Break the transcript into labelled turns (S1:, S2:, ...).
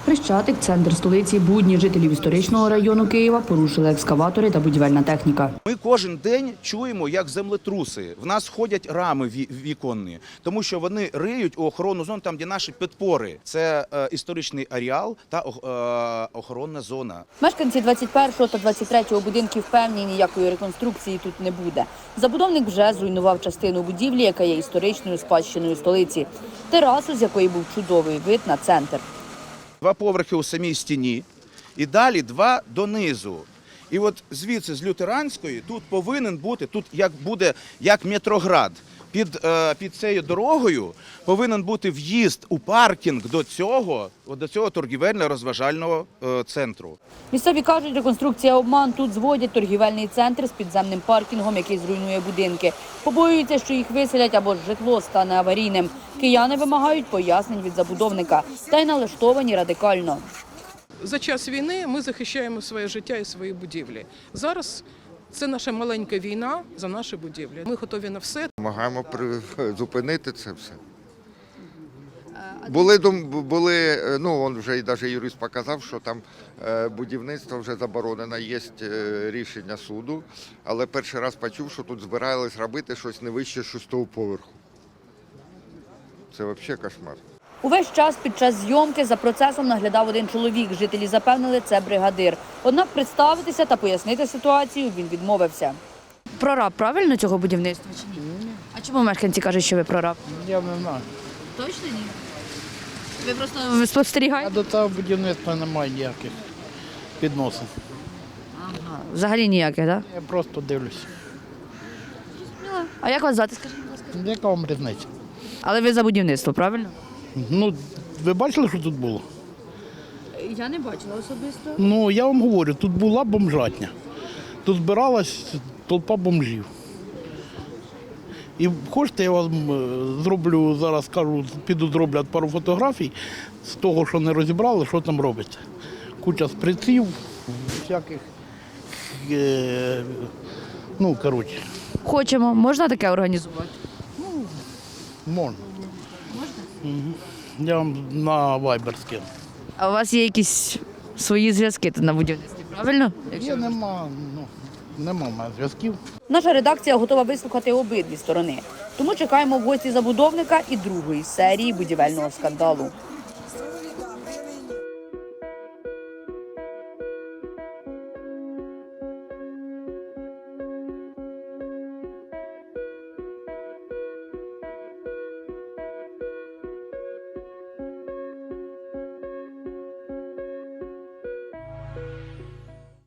S1: Хрещатик, центр столиці, будні жителів історичного району Києва порушили екскаватори та будівельна техніка.
S2: Ми кожен день чуємо, як землетруси. В нас ходять рами віконні, тому що вони риють у охоронну зону, там, де наші підпори. Це історичний ареал та охоронна зона.
S3: Мешканці 21-го та 23-го будинків впевнені, ніякої реконструкції тут не буде. Забудовник вже зруйнував частину будівлі, яка є історичною спадщиною столиці. Терасу, з якої був чудовий вид на центр.
S2: 2 поверхи у самій стіні і далі 2 донизу. І от звідси, з Лютеранської, тут повинен бути, тут як Метроград. Під цією дорогою повинен бути в'їзд у паркінг до цього торгівельно-розважального центру.
S3: Місцеві кажуть, реконструкція обман. Тут зводять торгівельний центр з підземним паркінгом, який зруйнує будинки. Побоюються, що їх виселять або ж житло стане аварійним. Кияни вимагають пояснень від забудовника та й налаштовані радикально.
S4: За час війни ми захищаємо своє життя і свої будівлі. Зараз це наша маленька війна за наші будівлі. Ми готові на все.
S5: Намагаємо зупинити це все. Он вже і навіть юрист показав, що там будівництво вже заборонено, є рішення суду, але перший раз почув, що тут збирались робити щось не вище 6-го поверху. Це взагалі кошмар.
S3: Увесь час під час зйомки за процесом наглядав один чоловік. Жителі запевнили, це бригадир. Однак представитися та пояснити ситуацію він відмовився.
S1: Прораб правильно цього будівництва чи ні? Ні. А чому мешканці кажуть, що ви прораб?
S6: Я не знаю.
S1: Точно ні? Ви просто спостерігаєте?
S6: А до цього будівництва немає ніяких відносин.
S1: Ага. Взагалі ніяких, так?
S6: Я просто дивлюся.
S1: А як вас звати, скажіть, будь ласка?
S6: Яка вам різниця?
S1: Але ви за будівництво, правильно?
S6: Ну, ви бачили, що тут було?
S1: Я не бачила особисто.
S6: Ну, я вам говорю, тут була бомжатня. Тут збиралась толпа бомжів. І хочете, я вам зроблю, зараз скажу, піду зроблять пару фотографій з того, що не розібрали, що там робиться. Куча сприців, всяких, коротше.
S1: Хочемо. Можна таке організувати?
S6: Можна. Угу. Я вам на Viber скину.
S1: А у вас є якісь свої зв'язки тут на будівництві, правильно?
S6: Нема в мене зв'язків.
S3: Наша редакція готова вислухати обидві сторони. Тому чекаємо в гості забудовника і другої серії будівельного скандалу.